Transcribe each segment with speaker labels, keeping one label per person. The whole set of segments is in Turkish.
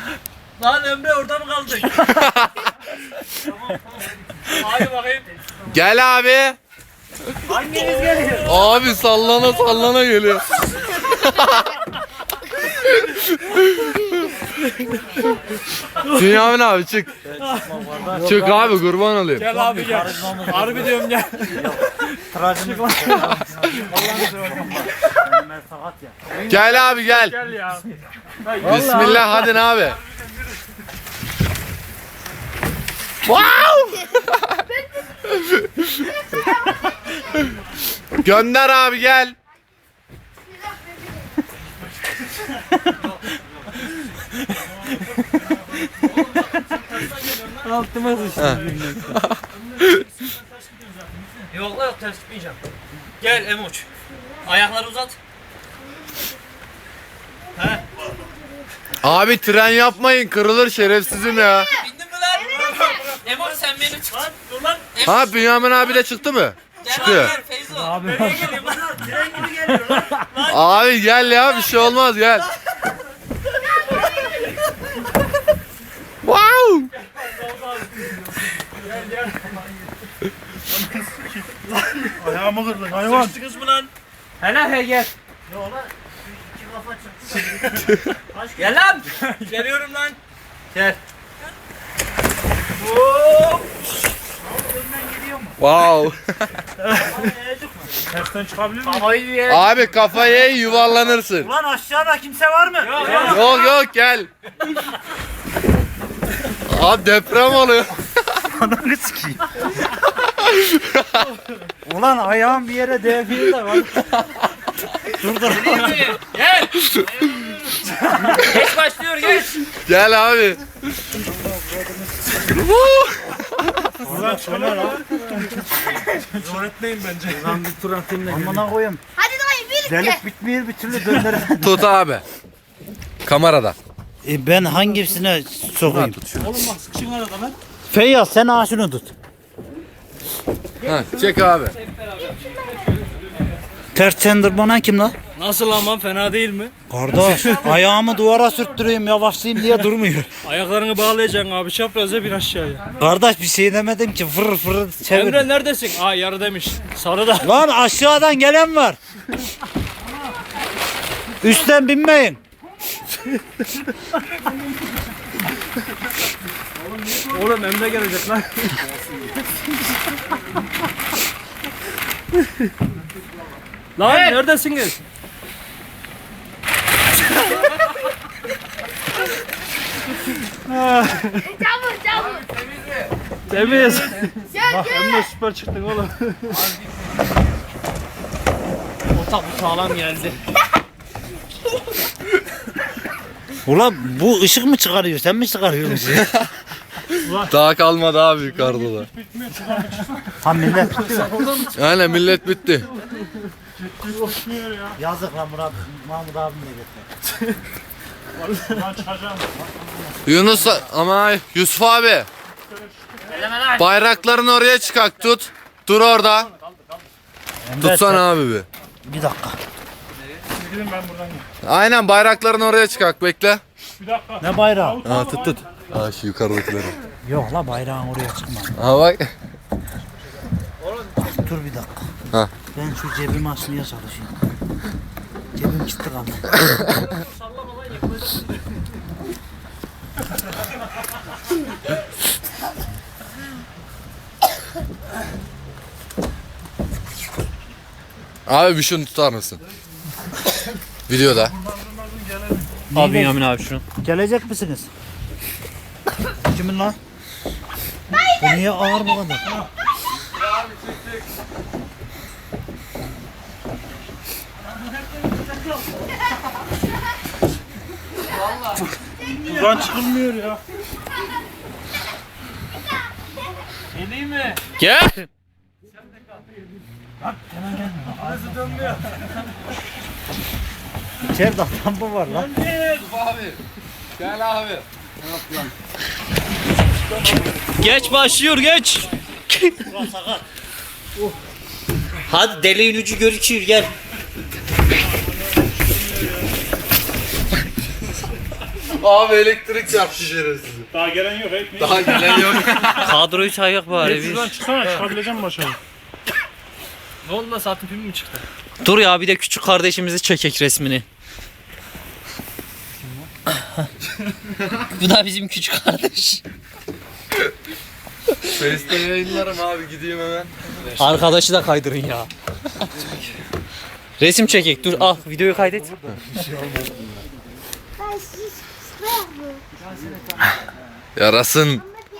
Speaker 1: Lan Emre orada mı kaldık? Hadi bakayım.
Speaker 2: Gel abi.
Speaker 1: Hanginiz geliyor?
Speaker 2: Abi sallana sallana geliyor. Bünyamin abi çık. Çık abi kurban olayım.
Speaker 1: Gel abi gel. Harbi diyorum gel.
Speaker 2: Gel abi gel.
Speaker 1: Gel ya.
Speaker 2: Bismillah hadi abi. Wow! Gönder abi gel.
Speaker 1: Altıma sıçtım. Yok lan yok ters tutmayacağım. Gel Emoç. Ayakları uzat. He.
Speaker 2: Abi tren yapmayın kırılır şerefsizim ya.
Speaker 1: Bindin mi lan? Emoç sen beni tut. Dur lan.
Speaker 2: Ha Bünyamin abi de çıktı mı? Çıkıyor.
Speaker 1: Gel Feyzo. Abi. Nereye geliyor lan? Tren gibi geliyor lan.
Speaker 2: Abi gel ya bir şey olmaz gel. Wow!
Speaker 3: Ayağımı kırdın hayvan.
Speaker 1: Sıkıştınız mı lan? Hele gel.
Speaker 3: Yok lan. İki kafa çıktı.
Speaker 1: Gel lan. Geliyorum lan. Gel. Hop.
Speaker 2: Wow.
Speaker 3: Tersten çıkabilir miyim?
Speaker 1: Havayı ye.
Speaker 2: Abi kafaya yuvarlanırsın.
Speaker 3: Ulan aşağıda kimse var mı?
Speaker 1: Yok yok.
Speaker 2: Yok yok gel. Abi deprem oluyor.
Speaker 3: Ananı sikeyim. Ulan ayağım bir yere değmiyor da var. Dur dur.
Speaker 1: Gel. Geç başlıyor geç.
Speaker 2: Gel abi.
Speaker 3: Ulan şöyle lan. Zor etmeyin bence. Ulan bir tur atayım da. Amına koyayım.
Speaker 4: Hadi dayı birlikte.
Speaker 3: Delik bitmiyor bir türlü döndüremedim.
Speaker 2: Tut abi. Kamerada.
Speaker 3: Ben hangisine sokayım?
Speaker 1: Oğlum bak sıkışın arada lan.
Speaker 3: Feyyaz sen ağaçını tut.
Speaker 2: Ha, çek abi.
Speaker 3: Ters çendırmanan kim lan?
Speaker 1: Nasıl aman fena değil mi?
Speaker 3: Kardeş ayağımı duvara sürttüreyim yavaşlayayım diye durmuyor.
Speaker 1: Ayaklarını bağlayacaksın abi çapraza bir aşağıya.
Speaker 3: Kardeş bir şey demedim ki fır fır çevir.
Speaker 1: Emre neredesin? Aa yarı demiş. Sarı da.
Speaker 3: Lan aşağıdan gelen var. Üstten binmeyin.
Speaker 1: Oğlum Emre gelecek lan. Lan neredesiniz?
Speaker 4: Çabuk çabuk.
Speaker 1: Temiz.
Speaker 4: Gel gel.
Speaker 1: Süper çıktın oğlum. Otak bu sağlam geldi.
Speaker 3: Ulan bu ışık mı çıkarıyor? Sen mi çıkarıyorsun?
Speaker 2: Daha kalmadı abi yukarıda da.
Speaker 3: Ha millet.
Speaker 2: Aynen millet bitti.
Speaker 3: Yazık lan Murat. Mahmut abim de getir.
Speaker 2: Yunus ama Yusuf abi. Bayraklarını oraya çıkart tut. Dur orada. Tutsana abi bir.
Speaker 3: Bir dakika.
Speaker 2: Aynen bayraklarını oraya çıkart bekle.
Speaker 3: Ne bayrağı?
Speaker 2: Ha tut tut. Ha şu yukarıdakileri.
Speaker 3: Yok la bayrağın oraya çıkma.
Speaker 2: Ha bak.
Speaker 3: Dur bir dakika.
Speaker 2: Ha.
Speaker 3: Ben şu cebimi açmaya çalışıyorum. Cebim kilitli kaldı.
Speaker 2: Abi bir şunu tutar mısın? Videoda.
Speaker 1: Abi Yamin abi şunu.
Speaker 3: Gelecek misiniz? Kimin lan? Bu niye ağır bu kadar? Buradan çıkılmıyor ya.
Speaker 1: Geleyim mi?
Speaker 2: Gel.
Speaker 3: İçeride adam mı var lan?
Speaker 2: Abi. Gel abi.
Speaker 1: Geç başlıyor geç.
Speaker 5: Hadi deliğin ucu görüküyor gel.
Speaker 2: Abi elektrik çarptı şerefsiz.
Speaker 3: Daha gelen yok ekmeği.
Speaker 2: Daha gelen yok.
Speaker 5: Kadroyu sayak bari
Speaker 3: Şuradan
Speaker 5: bir.
Speaker 3: çıksana çıkabileceğim başa.
Speaker 1: Ne oldu lan saatin pimi mi çıktı?
Speaker 5: Dur ya bir de küçük kardeşimizi çekek resmini. Bu da bizim küçük kardeş.
Speaker 2: Face'te yayınlarım abi gideyim hemen.
Speaker 5: Arkadaşı da kaydırın ya. Resim çekek. Dur al videoyu kaydet.
Speaker 2: Yarasın.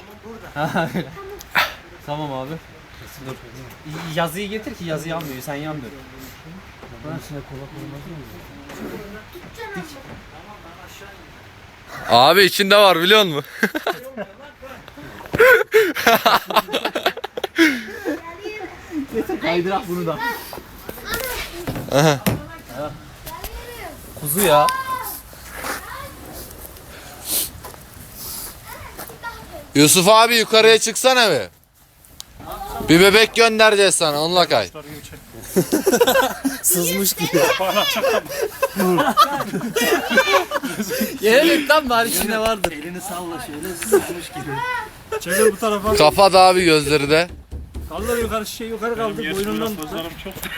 Speaker 5: Tamam abi. Dur. Yazıyı getir ki yazı yanmıyor. Sen yandır.
Speaker 2: Abi içinde var biliyor musun?
Speaker 5: Kaydırak bunu da. Kuzu ya.
Speaker 2: Yusuf abi yukarıya çıksana bir. Bir bebek göndereceğiz sana onunla kay.
Speaker 5: Sızmış gibi. Yenelim tam bari içinde vardır.
Speaker 3: Elini salla şöyle sızmış gibi. Çevir bu tarafa.
Speaker 2: Kafa da abi gözleri de.
Speaker 3: Kaldır yukarı yukarı kaldır boynundan.